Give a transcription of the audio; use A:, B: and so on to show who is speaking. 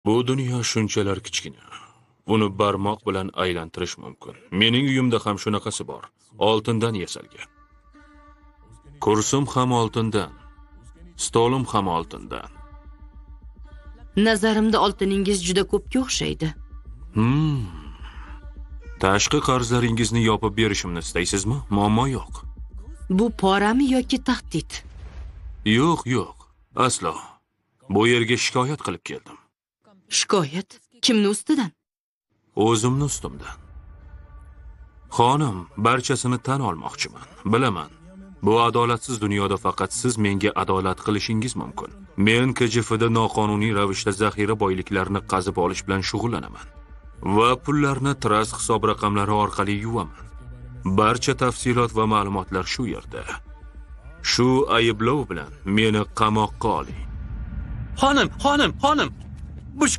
A: Bu dunyo shunchalar kichkina. Uni barmoq bilan aylantirish mumkin. Mening uyimda ham shunaqasi bor. Oltindan yasalgan. Kursim ham oltindan. Stolim ham oltindan.
B: Nazarimda oltiningiz juda ko'pga o'xshaydi.
A: Tashqi qarzlaringizni yopib berishimni istaysizmi? Muammo yo'q.
B: Bu porami yoki tahdid?
A: Yo'q. Aslo. Bu yerga shikoyat qilib keldim.
B: Shikoyat? Kimni ustidan?
A: O'zimni ustimdan. Xonim, barchasini tan olmoqchiman. Bilaman. Bu adolatsiz dunyoda faqat siz menga adolat qilishingiz mumkin. Men KJFda noqonuniy ravishda zaxira boyliklarini qazib olish bilan shug'ullanaman. Va pullarni trust hisob raqamlari orqali yuvaman. Barcha tafsilot va ma'lumotlar shu yerda. Shu ayblov bilan meni qamoqqa oling.
C: Xonim!